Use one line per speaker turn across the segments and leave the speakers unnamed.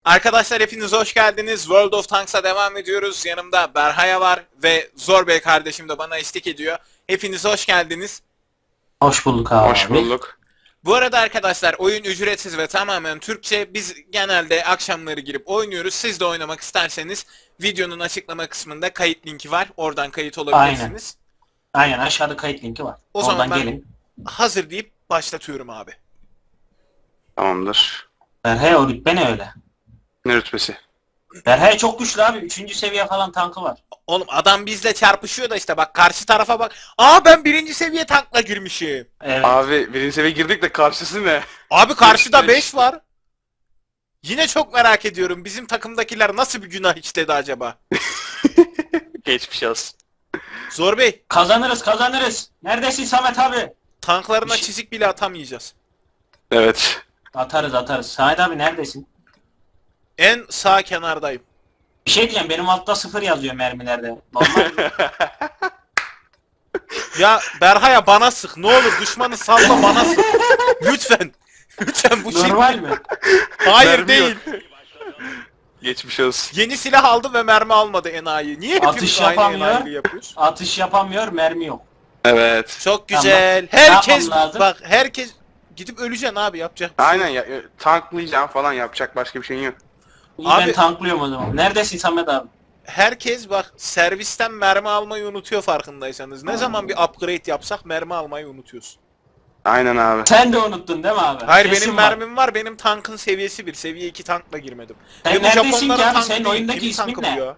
Arkadaşlar hepiniz hoş geldiniz. World of Tanks'a devam ediyoruz. Yanımda Berhaya var ve Zor Bey kardeşim de bana eşlik ediyor. Hepiniz hoş geldiniz.
Hoş bulduk abi.
Hoş bulduk.
Bu arada arkadaşlar oyun ücretsiz ve tamamen Türkçe. Biz genelde akşamları girip oynuyoruz. Siz de oynamak isterseniz videonun açıklama kısmında kayıt linki var. Oradan kayıt olabilirsiniz.
Aynen aşağıda kayıt linki var.
O zaman
Oradan
ben
gelin.
hazır deyip başlatıyorum abi.
Tamamdır.
Berhaya o rütbe ne öyle?
Ne rütbesi?
Berhaya çok güçlü abi. 3. seviye falan tankı var.
Oğlum adam bizle çarpışıyor da işte bak karşı tarafa bak. Aa ben birinci seviye tankla girmişim.
Evet.
Abi birinci seviye girdik de karşısı ne?
Abi karşıda
Beş.
5 var. Yine çok merak ediyorum. Bizim takımdakiler nasıl bir günah işledi acaba?
Geçmiş olsun.
Zor Bey,
Kazanırız. Neredesin Samet abi?
tanklarına
Bir şey-
çizik bile atamayacağız.
Evet.
Atarız. Samet abi neredesin?
En sağ kenardayım.
Bir şey diyeceğim, benim altta 0 yazıyor mermilerde. Normal mi?
Ya Berhaya bana sık. Ne olur düşmanı salla bana sık. Lütfen. Lütfen bu şey.
Normal mi?
Hayır
Mermi
değil.
Geçmiş olsun.
Yeni silah aldı ve mermi almadı enayi. Niye hepimiz
Atış
aynı
yapamıyor.
enayiliği yapıyoruz?
Atış yapamıyor, mermi yok.
Evet.
Çok güzel.
Tamam. Ne
Herkes
yapmam lazım?
bak herkes gidip öleceksin abi yapacak. bir şey
Aynen
yok.
ya, tanklayacağım falan yapacak başka bir şeyin yok.
İyi,
Abi-
ben tanklıyorum o zaman. Neredesin Samet abi?
Herkes bak servisten mermi almayı unutuyor farkındaysanız. Ne zaman bir upgrade yapsak mermi almayı unutuyoruz.
Aynen abi.
Sen de unuttun değil mi abi?
Hayır
Kesin
benim
var.
mermim var. Benim tankın seviyesi 1. Seviye 2 tankla girmedim.
Sen
Ve bu
neredesin
Japonların
ki abi?
tankı
Senin
değil.
oyundaki
Kimin
ismin
tankı
ne?
bu ya?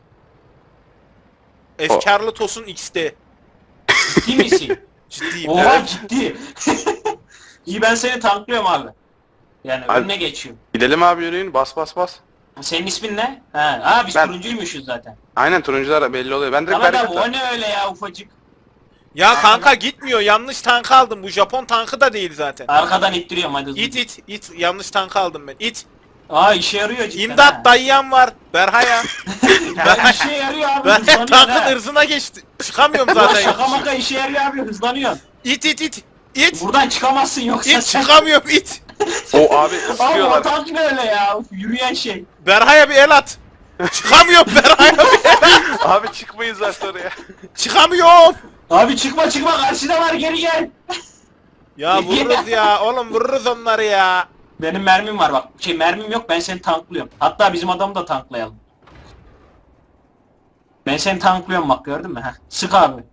Efkarlı Tosun XD.
Ciddi misin?
Ciddiyim.
Oha
Evet.
ciddi. İyi, ben seni tanklıyorum abi. Yani
Abi-
önüne geçiyorum.
Gidelim abi yürüyün bas bas bas.
Senin ismin ne? Ha, biz
Ben-
turuncuymuşuz zaten.
Aynen turuncular belli oluyor. Ben direkt
Samet
bereket
abi o ne öyle ya, ufacık.
Ya kanka gitmiyor. Yanlış tank aldım. Bu Japon tankı da değil zaten.
Arkadan ittiriyorum hadi.
İt. Yanlış tank aldım ben. İt.
Aa, işe yarıyor cidden.
İmdat dayıyan var. Berhaya.
Ya, işe yarıyor abi,
Ben
hızlanıyor
tankın
ha.
ırzına geçti. Çıkamıyorum
Zaten
zaten.
şaka maka işe yarıyor abi, hızlanıyor.
İt.
Buradan çıkamazsın yoksa
İt
sen.
çıkamıyorum it.
O abi
Abi o
sıkıyorlar.
tank ne öyle ya, yürüyen şey.
Berhaya bir el at. Çıkamıyorum Berhaya bir el at.
Abi çıkmayız zaten oraya.
Çıkamıyorum.
Abi çıkma karşıda var, geri gel.
Ya vururuz ya. Oğlum vururuz onları ya.
Benim mermim var bak. Mermim yok, ben seni tanklıyorum. Hatta bizim adamı da tanklayalım. Ben seni tanklıyorum bak, gördün mü? Heh. Sık abi.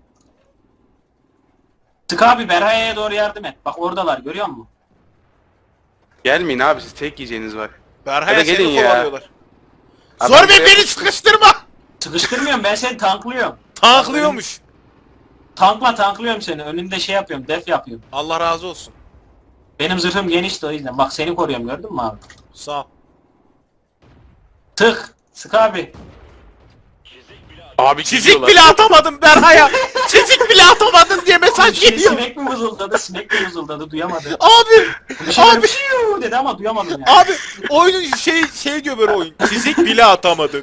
Sık abi, Berhaya'ya doğru yardım et. Bak oradalar, görüyor musun?
Gelmeyin abi siz tek yiyeceğiniz var.
Berhaya
Hadi
seni
gelin ya.
kovalıyorlar.
Abi
Zor
ben
Bey
buraya-
beni sıkıştırma.
Sıkıştırmıyorum, ben seni tanklıyorum.
Tanklıyormuş.
Tanklıyorum seni. Önünde şey yapıyorum, def yapıyorum.
Allah razı olsun.
Benim zırhım genişti, o yüzden. Bak seni koruyorum, gördün mü abi?
Sağ ol.
Sık abi.
Abi
Çizik
gidiyorlar.
bile atamadım Berhaya. Çizik bile atamadın diye mesaj geliyor.
Sinek mi vızıldadı? Sinek mi vızıldadı? Duyamadım.
Abi.
Bir şey
Abi.
dedi ama duyamadım yani.
Abi oyunun şey diyor böyle oyun. Çizik bile atamadın.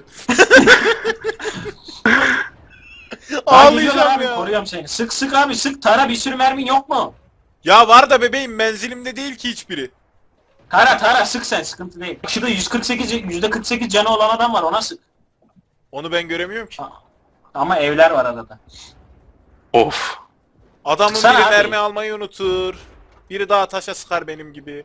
Aa, geliyorlar
Ağlayacağım
abi,
ya.
koruyorum seni. Sık abi, sık. Tara, bir sürü mermin yok mu?
Ya var da bebeğim menzilimde değil ki hiçbiri.
Tara sık sen, sıkıntı değil. Şurada %48 canı olan adam var, ona sık.
Onu ben göremiyorum ki.
Ama evler var arada.
Of.
Adamın
Sıksana
biri
abi.
mermi almayı unutur. Biri daha taşa sıkar benim gibi.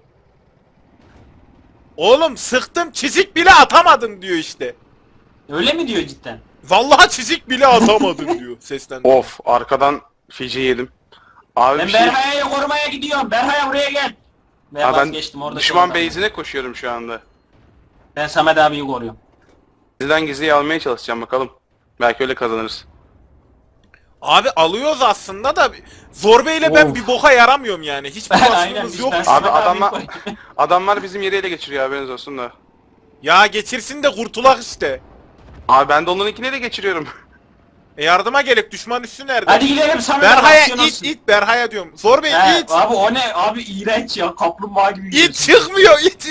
Oğlum sıktım çizik bile atamadın diyor işte.
Öyle mi diyor cidden?
Vallahi çizik bile atamadın diyor sesten.
Of arkadan feci yedim. Abi
Ben
bir şey...
Berhaya'yı korumaya gidiyorum. Berhaya buraya gel. Ben
Abi ben
vazgeçtim, orada.
düşman base'ine koşuyorum şu anda.
Ben Samet abiyi koruyorum.
Sizden gizliyi almaya çalışacağım bakalım. Belki öyle kazanırız.
Abi alıyoruz aslında da Zor Bey'le ben
Of.
bir boka yaramıyorum yani. Hiçbir
Aynen,
vasfımız
biz
yok.
ben
Abi
Samet abiyi
adamlar
koruyorum.
adamlar bizim yeri ele geçiriyor haberiniz olsun da.
Ya geçirsin de kurtulak işte.
Abi ben de onlarınkini ele geçiriyorum.
Yardıma gelip düşman üssü nerede?
Hadi gidelim Samet abi,
Berhaya
aksiyon olsun.
it Berhaya diyorum. Zor Bey
He,
it.
abi o ne? Abi iğrenç ya, kaplumbağa gibi
İt
gidiyorsun.
çıkmıyor it.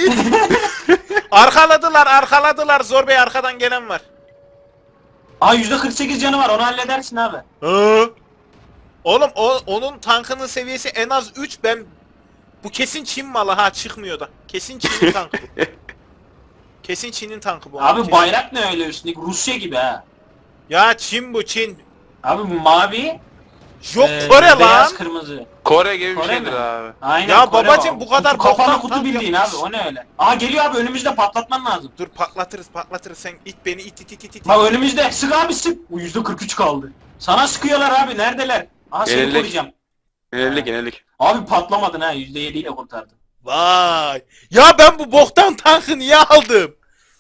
Arkaladılar Zor Bey arkadan gelen var.
Aa, %48 canı var, onu halledersin abi.
Hı? Oğlum onun tankının seviyesi en az 3 bu kesin Çin malı ha çıkmıyor da. Kesin Çin tankı. Kesin Çin'in tankı bu.
Abi
Kesin.
bayrak ne öyle üstündeki? Rusya gibi ha.
Ya Çin bu Çin.
Abi bu mavi.
Yok Kore lan.
Beyaz kırmızı.
Kore gibi bir
Kore
şeydir
mi?
abi.
Aynen
Ya
Kore
babacım,
o.
bu kadar
kapalı
boktan
kutu
tank
bildiğin
yapmış.
abi o ne öyle? Aa geliyor abi önümüzde patlatman lazım.
Dur patlatırız sen it beni it.
Bak önümüzde sık abi sık. Bu %43 kaldı. Sana sıkıyorlar abi neredeler? Aha seni
Yenildik.
koruyacağım.
Yenilik.
Abi patlamadın ha %7 ile kurtardın.
Vay. Ya ben bu boktan tankı niye aldım?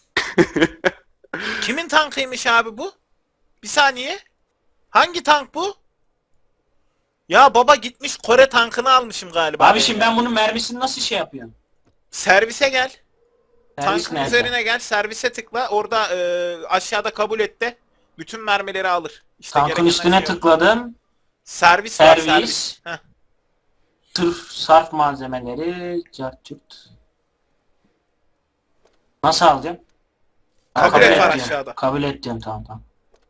Kimin tankıymış abi bu? Bir saniye. Hangi tank bu? Ya baba gitmiş Kore tankını almışım galiba.
Abi şimdi ben bunun mermisini nasıl şey yapıyorum?
Servise gel.
Servis
Tankın
nerede?
üzerine gel. Servise tıkla. Orada aşağıda kabul et de bütün mermileri alır. İşte
Tankın
gereken
üstüne
şey o.
tıkladım.
Servis var servis.
Servis.
Heh.
Tırf sarf malzemeleri. Cartçurt. Nasıl alacağım? Ha,
Kabul et var
diyorum.
aşağıda.
Kabul et diyorum tamam.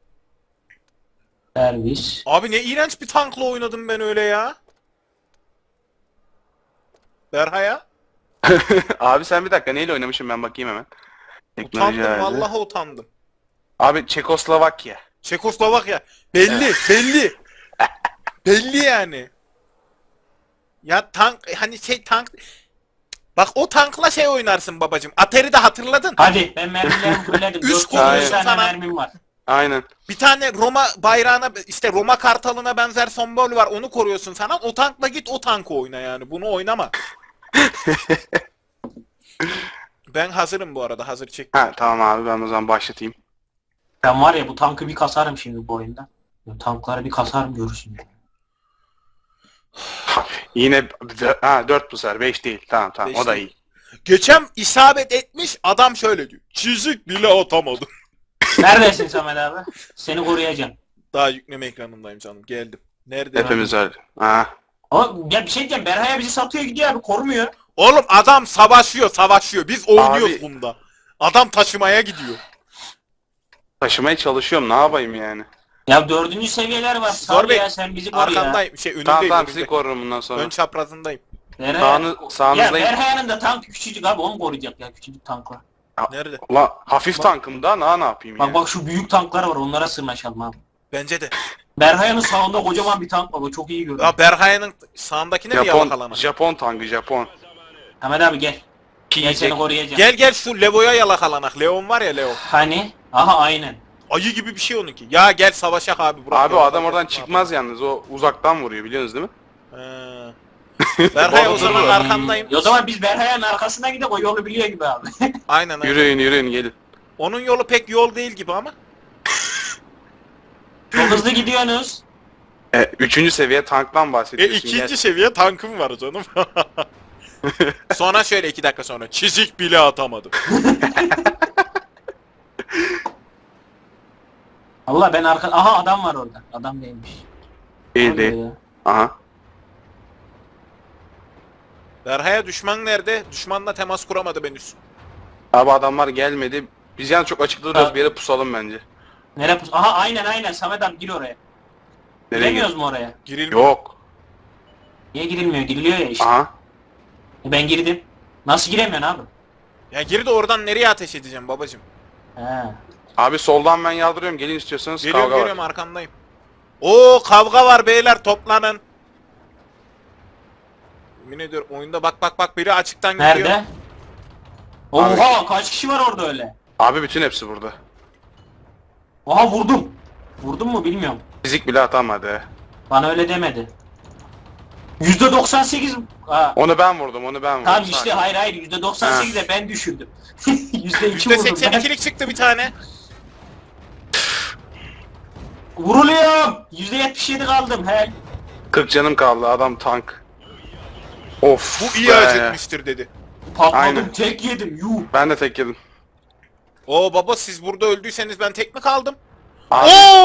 Servis.
Abi ne iğrenç bir tankla oynadım ben öyle ya. Berhaya.
Abi sen bir dakika neyle oynamışım ben bakayım hemen. Teknoloji
Utandım
herhalde.
vallahi utandım.
Abi Çekoslovakya.
Çekoslovakya. Belli belli. Belli yani. Ya tank hani şey tank. Bak o tankla şey oynarsın babacım. Atari'de hatırladın.
Hadi ben mermilerimi fulledim.
Üç
4
koyuyorsun
tane
sana.
mermim var.
Aynen.
Bir tane Roma bayrağına işte Roma kartalına benzer sembol var onu koruyorsun sana. O tankla git o tankı oyna yani. Bunu oynama. Ben hazırım bu arada. Hazır çek.
Ha tamam abi ben o zaman başlatayım.
Ben var ya bu tankı bir kasarım şimdi bu oyunda. Bu tankları bir kasarım görürsün.
Yine 4 bu sefer 5 değil. Tamam
Beş
o da
değil.
iyi.
Geçen isabet etmiş adam şöyle diyor. Çizik bile atamadım.
Neredesin Samet abi? Seni koruyacağım.
Daha yükleme ekranındayım canım. Geldim. Nerede?
Hepimiz öyle. Ha.
Ama ya bir şey diyeceğim. Berhaya bizi satıyor gidiyor abi korumuyor.
Oğlum adam savaşıyor. Biz oynuyoruz
Abi-
bunda. Adam taşımaya gidiyor.
Taşımaya çalışıyorum ne yapayım yani.
Ya 4. seviyeler var.
Zor
Sağ
Bey,
ya sen bizi koru ya.
Arkandayım. Önündeyim.
Tamam
önünde.
sizi korurum bundan sonra.
Ön çaprazındayım.
Nereye? Ya
Sağınızdayım.
Berhaya'nın da tank küçücük abi onu koruyacak ya küçücük tankla.
Nerede?
Ulan hafif tankım da ne yapayım
Bak
ya.
bak şu büyük tanklar var onlara sırnaşalım abi.
Bence de.
Berhaya'nın sağında kocaman bir tank var o çok iyi görünüyor.
Ya Berhaya'nın sağındakine mi yalakalama?
Japon tankı Japon.
Ahmet abi gel. Gel
Yiyecek.
seni koruyacağım.
Gel şu Levo'ya yalakalanak. Leon var ya Leo.
Hani? Aha aynen.
Ayı gibi bir şey onunki. Ya gel savaşak abi. Burak
Abi o
ya.
adam oradan çıkmaz yalnız o uzaktan vuruyor biliyorsunuz değil mi?
Berhaya o
Orada
zaman
duruyor.
arkandayım.
O zaman biz Berhaya'nın arkasından gidelim o yolu biliyor gibi abi.
Aynen.
Yürüyün gelin.
Onun yolu pek yol değil gibi ama.
Çok hızlı gidiyorsunuz.
3. seviye tanktan bahsediyorsun.
İkinci seviye tankım var canım. Sonra şöyle 2 dakika sonra çizik bile atamadım.
Allah ben arka... Aha adam var orada. Adam değilmiş.
Değil
Orada
değil.
ya.
Aha.
Berhaya düşman nerede? Düşmanla temas kuramadı henüz.
Abi adamlar gelmedi. Biz yani çok açıkta duruyoruz
Ha.
bir yere pusalım bence.
Nereye pus? Aha aynen Samet abi gir oraya.
Nereye
Giremiyoruz mu oraya?
Girilmiyor.
Yok.
Niye girilmiyor? Giriliyor ya işte.
Aha.
Ben girdim. Nasıl giremiyorsun abi?
Ya gir de oradan nereye ateş edeceğim babacım?
He.
Abi soldan ben yardırıyorum. Gelin istiyorsanız
Geliyorum
kavga
geliyorum
var.
arkandayım. Oo kavga var beyler toplanın. Yemin ediyorum oyunda bak biri açıktan gidiyor.
Nerede? Oha kaç kişi var orada öyle?
Abi bütün hepsi burada.
Oha vurdum. Vurdum mu bilmiyorum.
Fizik bile atamadı.
Bana öyle demedi. %98. Ha.
Onu ben vurdum.
Tamam işte hayır %98'e ben düşürdüm. %2 vurdum ben.
%82'lik çıktı bir tane.
Vuruluyorum. %77 kaldım he.
40 canım kaldı adam tank. Of.
Bu iyi
be.
acıtmıştır dedi.
Patladım
Aynen.
tek yedim yuh.
Ben de tek yedim.
Oo baba siz burada öldüyseniz ben tek mi kaldım?
Abi,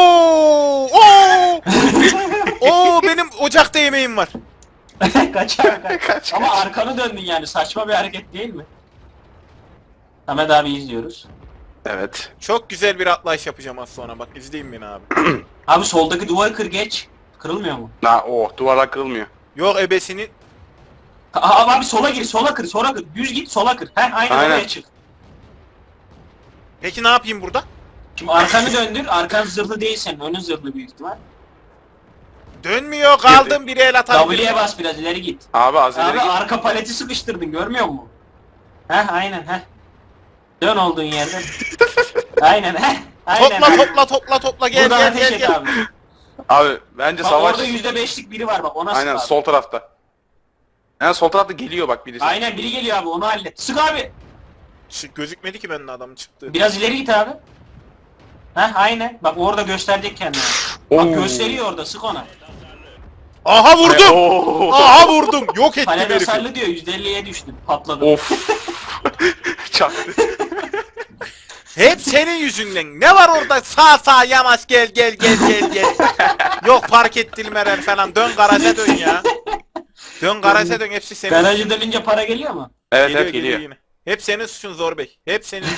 Oo benim ocakta yemeğim var.
Kaçar.
Kaç,
Ama
kaç.
arkanı döndün yani saçma bir hareket değil mi? Ahmet abi izliyoruz.
Evet.
Çok güzel bir atlayış yapacağım az sonra bak izleyin beni abi.
Abi soldaki duvarı kır geç. Kırılmıyor mu?
Duvarlar kırılmıyor.
Yok ebesinin.
Abi sola gir sola kır. Düz git sola kır. Aynen
Aynen.
oraya çık.
Peki ne yapayım burada?
Şimdi arkanı döndür. Arkan zırhlı değil senin. Önün zırhlı büyük ihtimal.
Dönmüyor, kaldım, biri el atabilir.
W'ye bas biraz ileri git.
Abi az ileri
Abi
git.
arka paleti sıkıştırdın görmüyor musun? Heh aynen heh. Dön olduğun yerden. Aynen heh. Aynen.
Topla gel
Buradan
gel
ateş
gel
et
gel.
abi.
Abi bence
Bak
savaş.
orada %5'lik biri var bak ona sık
Aynen
abi.
sol tarafta. Yani sol tarafta geliyor bak birisi.
Aynen biri geliyor abi onu hallet. Sık abi.
Gözükmedi ki benim adam çıktı.
Biraz ileri git abi. Heh aynen. Bak orada gösterecek kendini. Bak
Oo.
gösteriyor orada sık ona.
Aha vurdum.
Oo.
Aha vurdum. Yok ettim
Palede
herifi.
sarılı diyor %50'ye düştün. Patladı.
Of. Çaktı.
Hep senin yüzünden. Ne var orada? Sağ yamaç gel. Yok park ettirmeler falan. Dön garaja dön ya. Dön garaja dön, hepsi senin.
Garajı dönünce para geliyor mu?
Evet geliyor.
yine. Hep senin suçun Zor Bey. Hep senin.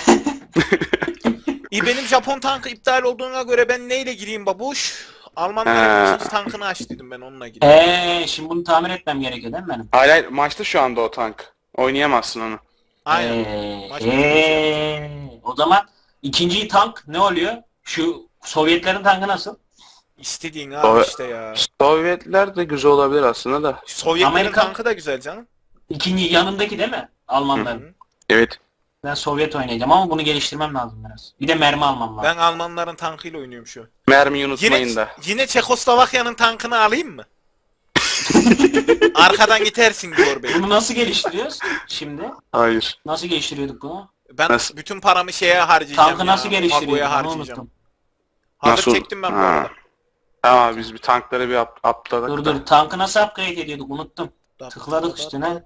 Benim Japon tankı iptal olduğuna göre ben neyle gireyim babuş? Almanların
Ha.
ikinci tankını aç dedim, ben onunla gireyim.
Şimdi bunu tamir etmem gerekiyor değil mi benim?
Hayır maçta şu anda o tank. Oynayamazsın onu.
Aynen. Maç bitmiş
O zaman ikinci tank ne oluyor? Şu Sovyetlerin tankı nasıl?
İstediğin abi
O-
işte ya.
Sovyetler de güzel olabilir aslında da.
Sovyetlerin
Amerika-
tankı da güzel canım.
İkinci yanındaki değil mi? Almanların.
Evet.
Ben Sovyet oynayacağım ama bunu geliştirmem lazım biraz. Bir de mermi almam lazım.
Ben Almanların tankıyla oynuyorum şu an.
Mermiyi unutmayın
Yine,
da.
yine Çekoslovakya'nın tankını alayım mı? Arkadan gidersin Zor Bey.
Bunu nasıl geliştiriyoruz şimdi?
Hayır.
Nasıl geliştiriyorduk bunu?
Ben
Nasıl?
bütün paramı şeye harcayacağım.
Tankı
ya,
nasıl geliştiriyorduk?
Mago'ya
Onu
harcayacağım.
unuttum.
Hazır
Nasıl?
çektim ben bu
Ha.
arada.
Tamam biz bir tankları bir atladık
Dur
da.
dur tankı nasıl upgrade ediyorduk unuttum. Tıkladık üstüne.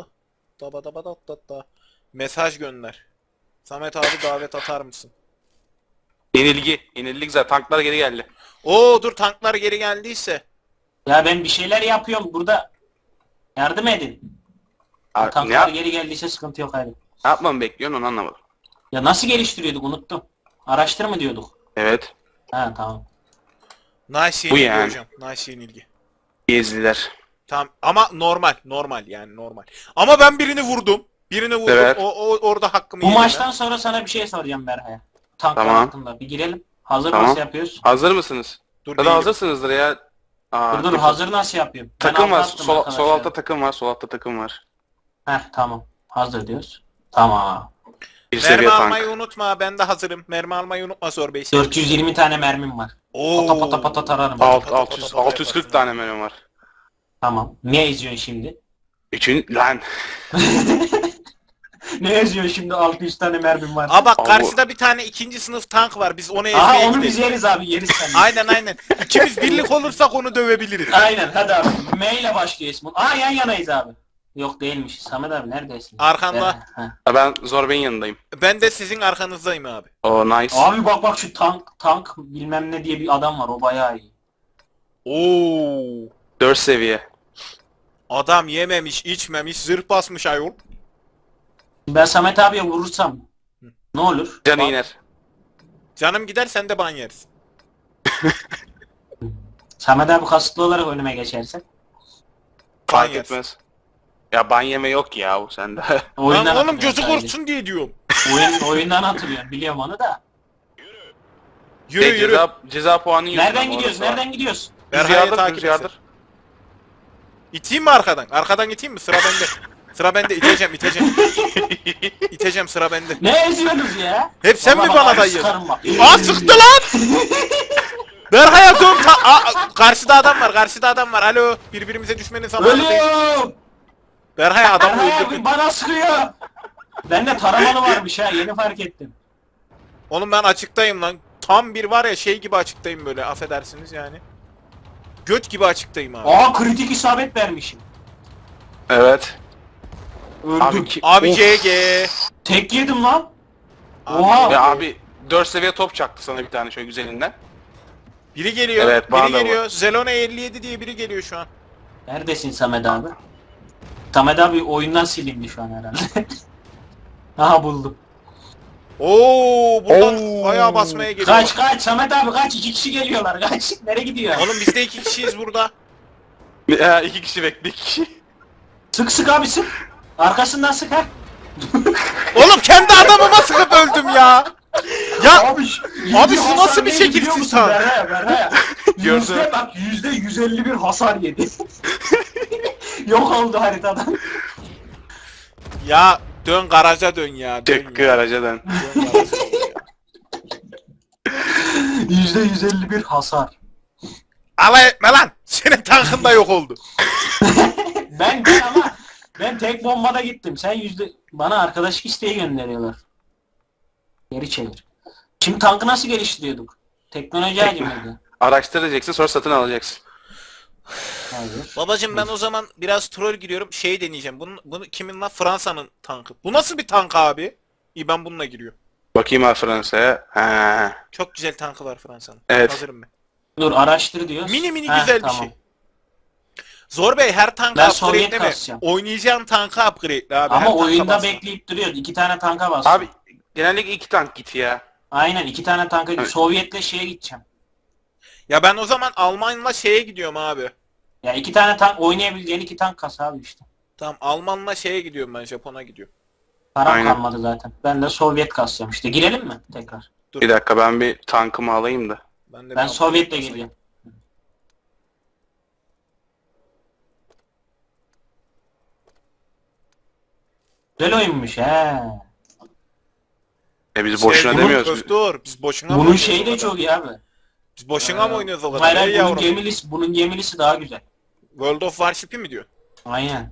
Mesaj gönder. Samet abi davet atar mısın?
Yenilgi. Yenildik zaten. Tanklar geri geldi.
Oo dur, tanklar geri geldiyse.
Ya ben bir şeyler yapıyorum burada. Yardım edin.
Abi, ne,
Tanklar geri geldiyse sıkıntı yok hadi.
ne yapmamı bekliyorsun onu anlamadım.
Ya nasıl geliştiriyorduk unuttum. Araştır mı diyorduk?
Evet.
Ha tamam.
Nice
Bu
yenilgi
yani.
hocam. Nice yenilgi.
Gezdiler.
Tamam ama normal yani normal. Ama ben birini vurdum. Birini vurdum.
Evet.
O orada hakkımı
Bu
yedim ben.
maçtan sonra sana bir şey soracağım Berha'ya. Tanklar
Tamam.
hakkında. Bir girelim. Hazır
Tamam.
nasıl yapıyoruz?
Hazır mısınız?
Dur
Ya da
değilim.
hazırsınızdır ya. Aa,
Dur hazır nasıl yapıyorum? Ben
Takım var.
altta attım
Sol
arkadaşlar.
altta takım var. Sol altta takım var.
Heh tamam. Hazır diyoruz. Tamam.
Bir
Mermi
seviye tank.
almayı unutma. Ben de hazırım. Mermi almayı unutma Zor Bey.
420 tane mermim var.
Oo.
Pata pata pata tararım.
640 tane mermi var.
Tamam. Ne yazıyorsun şimdi?
Üçün lan.
Ne yazıyorsun şimdi 600 tane mermim var?
Aa bak
Abi-
karşıda bir tane ikinci sınıf tank var. Biz onu ezmeye
Aha onu
gidelim.
biz yeriz abi yeriz sen.
Aynen. İkimiz birlik olursak onu dövebiliriz.
Aynen hadi abi. M ile başlıyor ismin. Aa yan yanayız abi. Yok değilmiş. Samet abi neredesin?
Arkanda.
Heh.
Ben Zorbe'nin yanındayım.
Ben de sizin arkanızdayım abi.
Oh nice.
Abi bak şu tank bilmem ne diye bir adam var o bayağı iyi.
Oo.
4 seviye.
Adam yememiş, içmemiş, zırh basmış ayol.
Ben Samet abiye vurursam ne olur?
Canı
Bak-
iner.
Canım gider, sen de ban yersin.
Samet abi kasıtlı olarak önüme geçerse.
Ban
Fark
yersin.
etmez. Ya ban yeme yok ya o sende.
Lan
Oyundan
oğlum
atılıyorum
gözü
sadece.
korksun diye diyorum.
Oyundan hatırlıyorum biliyorum onu da.
Yürü.
Ceza puanı yiyorsun.
Nereden
ama
gidiyoruz?
orası var.
Nereden gidiyoruz?
Berha'yı
Rüzgardır,
takip
rüzgardır.
etsin. İteyim mi arkadan? Arkadan iteyim mi? Sıra bende. Sıra bende. İteceğim. İteceğim, sıra bende.
Ne eziyorsunuz ya?
Hep sen mi
Vallahi
bana
bak,
dayıyorsun?
sıkarım bak.
Aa sıktı lan! Berha'ya dön. Karşıda adam var. Alo. Birbirimize düşmenin zamanı değil.
Ölüyorum!
Berha'ya adamı
Berha'ya
öldürdün.
bana sıkıyor! Bende taramalı varmış ha yeni fark ettim.
Oğlum ben açıktayım lan. Tam bir var ya şey gibi açıktayım böyle, affedersiniz yani. Göt gibi açıktayım abi.
Aa kritik isabet vermişim.
Evet.
Öldüm.
Abi
Of.
GG.
Tek yedim lan.
Abi,
Oha!
Ya abi 4 seviye top çaktı sana bir tane şöyle güzelinden.
Biri geliyor.
Evet, bana
biri
da
geliyor. Zelone 57 diye biri geliyor şu an.
Neredesin Samet abi? Samet abi oyundan silindi şu an herhalde. Aha buldum.
Oo, buradan
Oo.
bayağı basmaya geliyor.
Kaç Samet abi kaç 2 kişi geliyorlar kaç. Nereye gidiyor?
Oğlum biz de 2 kişiyiz burada.
Ya 2 kişi bekle 2 kişi.
Sık abi sık. Arkasından sık ha.
Oğlum kendi adamıma sıkıp öldüm ya. Ya
Abi,
abi
yediği
şu
hasar
nasıl bir
neydi
şekil
biliyor musun?
sistem?
Berhaya.
Gördüm.
Yüzde bak %151 hasar yedi. Yok oldu haritadan.
Ya dön garaja dön ya. Dön
Çıkkı
ya.
aracadan.
Dön garaja dön ya.
%151 hasar.
Alay etme lan. Senin tankın da yok oldu.
Ben tek bombada gittim. Bana arkadaşlık isteği gönderiyorlar. Geri çevir. Şimdi tankı nasıl geliştiriyorduk? Teknoloji ağacı mıydı?
Araştıracaksın sonra satın alacaksın.
Hayır.
Babacım ben o zaman biraz troll giriyorum. Şey deneyeceğim. Bunu kimin lan? Fransa'nın tankı. Bu nasıl bir tank abi? İyi ben bununla giriyorum.
Bakayım abi Fransa'ya. Ha.
Çok güzel tankı var Fransa'nın.
Evet.
Hazırım ben.
Dur araştır diyoruz.
Mini mini
Heh,
güzel bir
tamam.
şey. Zor Bey her tankı
Ben Sovyet
upgrade'leme.
kasacağım.
Oynayacağın tankı upgrade'le abi. her
Ama
tanka
oyunda
basma.
bekleyip duruyor. 2 tane tanka bastım.
Abi genellikle 2 tank git ya.
Aynen 2 tane tanka
Evet.
Sovyet'le şeye gideceğim.
Ya ben o zaman Alman'la şeye gidiyorum abi.
Ya 2 tane tank oynayabileceğin 2 tank kas abi işte.
Tamam Alman'la şeye gidiyorum ben Japon'a gidiyorum.
Param
Aynen.
kalmadı zaten. Ben de Sovyet kasacağım işte. Girelim mi tekrar?
Dur.
Bir dakika ben bir tankımı alayım da.
Ben de
Ben
bir
Sovyet'le
upgrade
gireceğim. Güzel oyunmuş he.
Biz boşuna
Sevgili
demiyoruz.
Öf, dur. Biz boşuna mı
Bunun
oynuyoruz
şeyi
o
de
kadar?
çok iyi abi.
Biz boşuna mı oynuyoruz o kadar?
Hayır,
Ey
hayır, bunun
yavrum.
gemilisi daha güzel.
World of Warship'i mi diyor?
Aynen.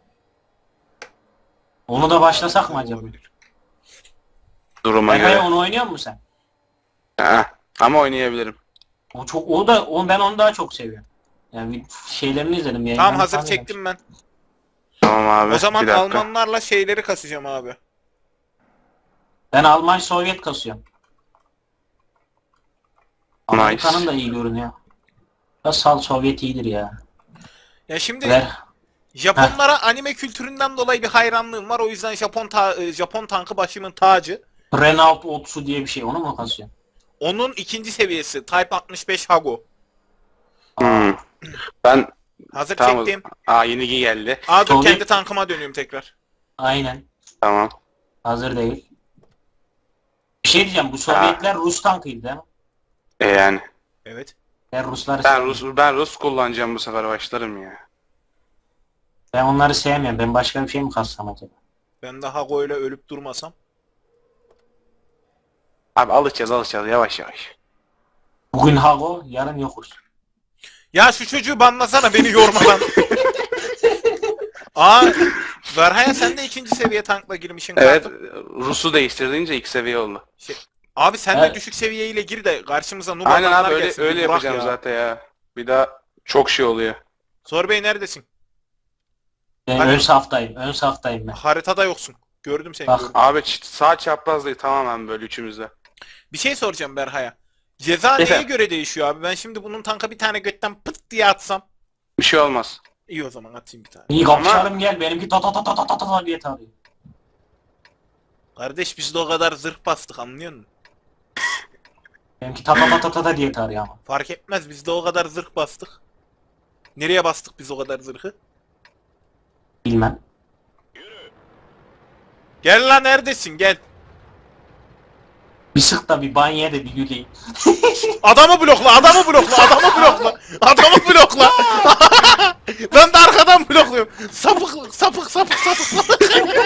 Onu da başlasak mı acaba?
Olabilir.
Duruma
Hayır,
göre.
onu oynuyor musun sen?
Ha. Ama oynayabilirim.
Ben onu daha çok seviyorum. Yani bir şeylerini izledim
Tamam
yayınlarını
hazır
falan
çektim ben.
Tamam abi.
O zaman
bir dakika.
Almanlarla şeyleri kasacağım abi.
Ben Alman Sovyet kasıyorum.
Nice.
Amerika'nın da iyi görünüyor. Sal Sovyet iyidir ya.
Ya şimdi
Ver.
Japonlara anime kültüründen dolayı bir hayranlığım var. O yüzden Japon tankı başımın tacı.
Renault Otsu diye bir şey. Onu mu kasıyorsun?
Onun ikinci seviyesi Type 65 Hago.
Hmm. Ben
Hazır
tamam.
çektim.
Yeni geldi.
Dur
Sovyet-
kendi tankıma dönüyorum tekrar.
Aynen.
Tamam.
Hazır değil. Bir şey diyeceğim. Bu Sovyetler Rus tankıydı değil mi?
Yani.
Evet.
Ben Rusları
Ben
sevmiyorum.
Ben Rus kullanacağım bu sefer başlarım ya.
Ben onları sevmiyorum. Ben başka bir şey mi kassam acaba?
Ben de Hago ile ölüp durmasam.
Abi alışacağız yavaş yavaş.
Bugün Hago, yarın yokuz.
Ya şu çocuğu banlasana beni yormadan. Verhaya sen de ikinci seviye tankla girmişsin
Evet
kartım.
Rus'u değiştirdiğince 2 seviye oldu.
Abi sen de
Evet.
düşük seviyeyle gir de karşımıza noob
Aynen
adamlar
abi öyle
gelsin.
öyle
Bir bırak
yapacağım
ya.
zaten ya. Bir daha çok şey oluyor.
Zor Bey neredesin?
Ben
Hadi.
ön saftayım. Ön saftayım ben.
Haritada yoksun. Gördüm seni.
Bak.
Gördüm.
Abi sağ çapraz değil tamamen böyle üçümüzde.
Bir şey soracağım Berha'ya. Ceza neye
Efendim?
göre değişiyor abi? Ben şimdi bunun tanka bir tane götten pıt diye atsam.
Bir şey olmaz.
İyi o zaman atayım bir tane.
İyi kapışalım gel. Benimki ta ta ta ta ta ta ta diye tarıyor.
Kardeş biz de o kadar zırh bastık anlıyor musun?
Benimki ta ta ta ta ta ta diye tarıyor ama.
Fark etmez biz de o kadar zırh bastık. Nereye bastık biz o kadar zırhı?
Bilmem.
Gel lan neredesin gel.
Bir sık da bir banyo de bir güleyim.
Adamı blokla, adamı blokla, adamı blokla. Adamı blokla. Ben de arkadan blokluyorum. Sapık, sapık, sapık, sapık, sapık.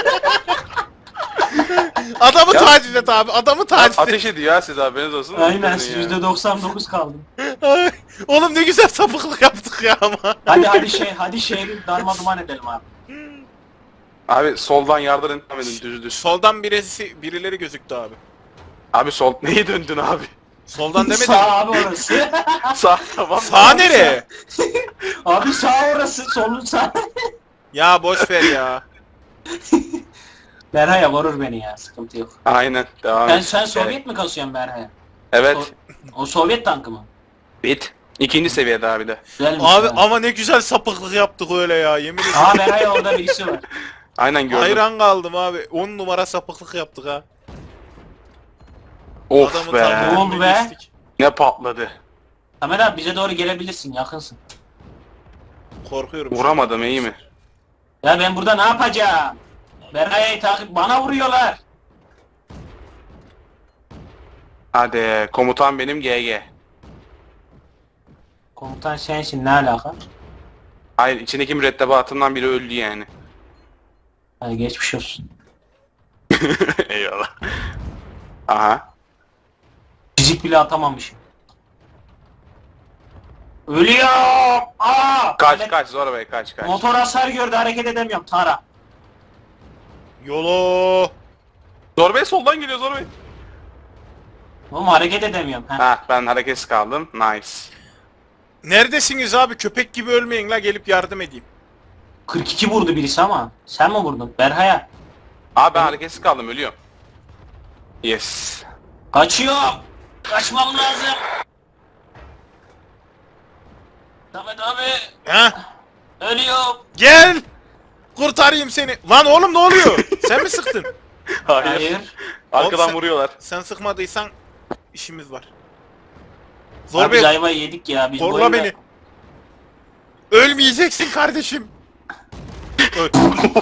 Adamı
Ya-
taciz et abi, adamı taciz et.
Ateş ediyor ya siz haberiniz olsun.
Aynen
Sizin ya.
%99 kaldım.
Ay, oğlum ne güzel sapıklık yaptık ya ama.
Hadi şehri darma duman edelim abi.
Abi soldan yardım edin düz.
Soldan birileri gözüktü abi.
Abi sol neyi döndün abi?
Soldan demedim.
Sağ abi orası.
Sağ tamam.
Sağ nereye?
Abi sağ orası, solun sağ.
Ya boş ver ya.
Berha'ya vurur beni ya, sıkıntı yok.
Aynen devam et.
Sen Sovyet mi kasıyorsun Berha'ya?
Evet.
O Sovyet tankı mı?
Bit. İkinci seviyede abi de.
Güzelmiş
Abi
ya.
ama ne güzel sapıklık yaptık öyle ya yemin ederim.
Aa Berha'ya orada birisi var.
Aynen gördüm.
Hayran kaldım abi. 10 numara sapıklık yaptık ha.
Of
Adamın
be.
tankının
Ne oldu
önüne
be?
geçtik.
Ne patladı.
Samet abi bize doğru gelebilirsin, yakınsın.
Korkuyorum.
Vuramadım iyi mi?
Ya ben burada ne yapacağım? Berha'yı takip, bana vuruyorlar.
Hadi komutan benim GG.
Komutan sensin, ne alaka?
Hayır, içindeki mürettebatımdan biri öldü yani.
Hadi geçmiş olsun.
Eyvallah. Aha.
Fizik bile atamamışım. Ölüyorum! Aa!
Kaç kaç Zora Bey, kaç kaç.
Motor hasar gördü, hareket edemiyorum. Tara.
Yolo.
Zora Bey soldan geliyor Zora Bey.
Oğlum hareket edemiyorum. Heh.
Ha, ben hareketsiz kaldım. Nice.
Neredesiniz abi? Köpek gibi ölmeyin la, gelip yardım edeyim.
42 vurdu birisi ama. Sen mi vurdun? Berhaya.
Abi ben hareketsiz kaldım, ölüyorum. Yes.
Kaçıyorum. Kaçmam lazım. Samet abi.
Ha?
Ölüyorum.
Gel. Kurtarayım seni. Lan oğlum ne oluyor? Sen mi sıktın?
Hayır.
Arkadan
Oğlum sen-
vuruyorlar.
Sen sıkmadıysan işimiz var.
Abi
Zor
biz
Bey,
ayvayı yedik ya. Biz bu
korla
oyunda-
beni. Ölmeyeceksin kardeşim. Öl.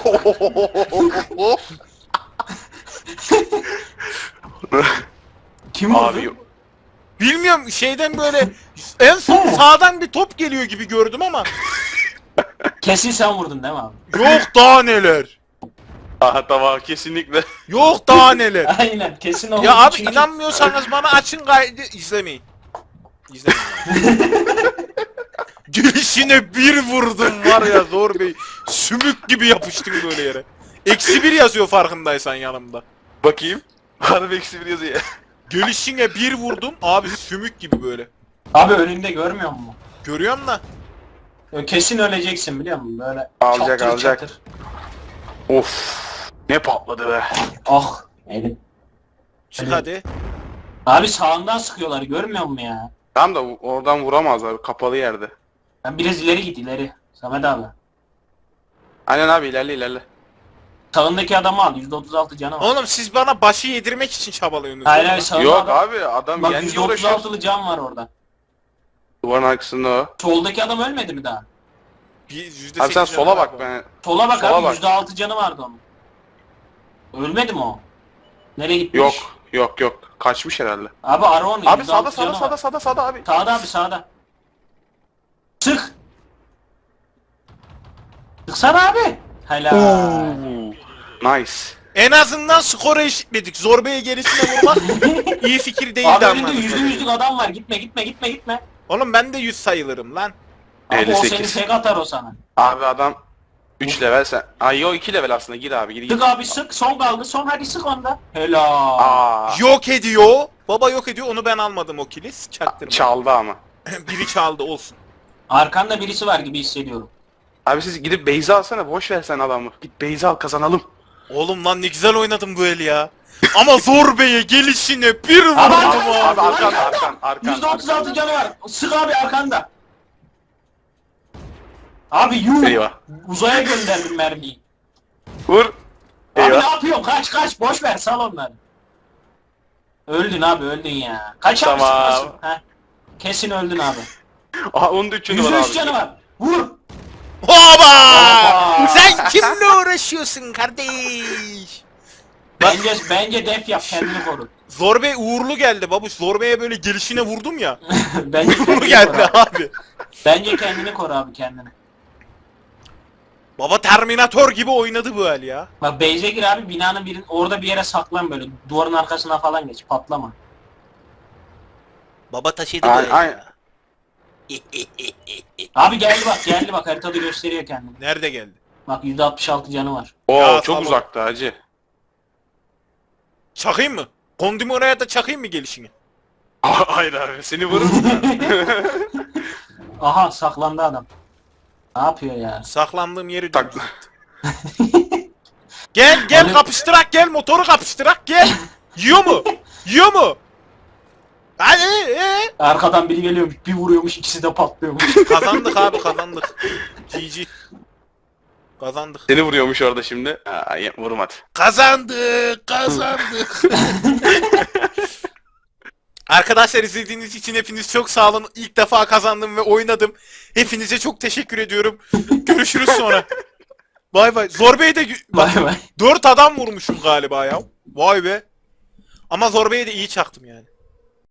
Kim vurdu?
Abi
Bilmiyorum, şeyden böyle en son sağdan bir top geliyor gibi gördüm ama
Kesin sen vurdun değil mi abi?
yok daha neler.
aha tamam, kesinlikle.
Yok daha neler.
Aynen kesin o.
Ya abi
Çünkü-
inanmıyorsanız bana açın kaydı izlemeyin. İzlemeyin. Gülüşüne bir vurdum var ya Zor Bey. Sümük gibi yapıştım böyle yere. -1 yazıyor farkındaysan yanımda.
Bakayım. Harbi eksi bir yazıyor.
Gülüşüne bir vurdum abi, sümük gibi böyle.
Abi önünde görmüyor musun?
Görüyorum da.
Kesin öleceksin biliyor musun? Böyle
Alacak,
çatır
alacak.
çatır.
Of. Ne patladı be.
Ah elim.
Çık
Evet.
hadi.
Abi sağından sıkıyorlar görmüyor musun ya?
Tamam da oradan vuramazlar, kapalı yerde.
Ben biraz ileri git ileri. Samet abi.
Aynen abi, ilerle ilerle.
Sağındaki adamı al. %36 canı var.
Oğlum siz bana başı yedirmek için çabalıyorsunuz.
Hayır
değil
hayır
mi?
sağında
Yok
adam.
abi, adam
Bak
yendiği uğraşıyor.
%36'lı can var orada.
Duvarın arkasında o.
Soldaki adam ölmedi mi daha?
%8
Abi sen
canı
sola
var
bak
bu.
ben.
Sola bak
Sola
abi
bak.
%6 canı vardı onun. Ölmedi mi o? Nereye gitmiş?
Yok yok yok. Kaçmış herhalde.
Abi ara onu.
Abi
%6
sağda
canı
sağda
var.
sağda sağda sağda abi.
Sağda abi sağda. Sık. Sıksana abi. Helal.
Nice.
En azından skoru eşitledik. Zor Bey'e gerisine vurmak iyi fikir değildi
Abi
ama.
önünde %100'lük adam var. Gitme gitme gitme gitme.
Oğlum ben de 100 sayılırım lan.
Abi o
58.
seni tek atar o sana.
Abi adam 3 level sen. Ay yo 2 level aslında, gir abi gir.
Sık abi sık. Son kaldı. Son hadi sık onda. Helal.
Aa,
Yok ediyor. Baba yok ediyor. Onu ben almadım o kilis. Çaktırma.
çaldı ama.
Biri çaldı olsun.
Arkanda birisi var gibi hissediyorum.
Abi siz gidip Beyza alsana, boş ver sen adamı. Git Beyza al, kazanalım.
Oğlum lan ne güzel oynadım bu el ya. Ama Zor Bey'e gelişine bir vurdum
Abi,
abi.
Abi arkan.
%36 canı var. Sık abi arkanda. Abi yuh.
Eyvah.
Uzaya gönderdim mermiyi.
Vur.
Abi ne
Eyvah.
yapıyorsun? Kaç kaç. Boş ver sal onları. Öldün abi öldün ya. Kaç abi
Tamam.
sıkmasın. Heh. Kesin öldün abi.
Aha onun da 3 canı var
%3
abi.
canı var. Vur.
Hoba!
Hoba!
Sen kimle uğraşıyorsun kardeş?
Bence def yap kendini koru.
Zor Bey uğurlu geldi babuş. Zor Bey'e böyle gelişine vurdum ya.
Bence
Uğurlu
kendini
geldi
koru abi.
abi.
Bence kendini koru abi kendini.
Baba Terminator gibi oynadı bu el ya.
Bak base'e gir abi binanın orada bir yere saklan böyle. Duvarın arkasına falan geç patlama.
Baba taşıdı
Ay,
bu el
ay.
ya.
Abi geldi bak haritada gösteriyor kendini.
Nerede geldi?
Bak %66 canı var.
Oo
Ya,
çok
tamam.
uzakta hacı.
Çakayım mı? Kondimi oraya da çakayım mı gelişini?
Hayır abi, seni vurur.
Aha saklandı adam. Ne yapıyor ya?
Saklandığım yeri
Tak.
dümdüz etti. Gel
Hani-
kapıştırak, gel motoru kapıştırak, gel. Yiyor mu? Yiyor mu? Hadi
Arkadan biri geliyormuş bir vuruyormuş ikisi de patlıyormuş.
Kazandık abi, kazandık. GG. Kazandık.
Seni vuruyormuş orada şimdi. Vurmadı.
Kazandık. Arkadaşlar izlediğiniz için hepiniz çok sağ olun. İlk defa kazandım ve oynadım. Hepinize çok teşekkür ediyorum. Görüşürüz sonra. Bay bay. Zor Bey de bak,
Bay bay.
4 adam vurmuşum galiba ya. Vay be. Ama Zor Bey'e de iyi çaktım yani.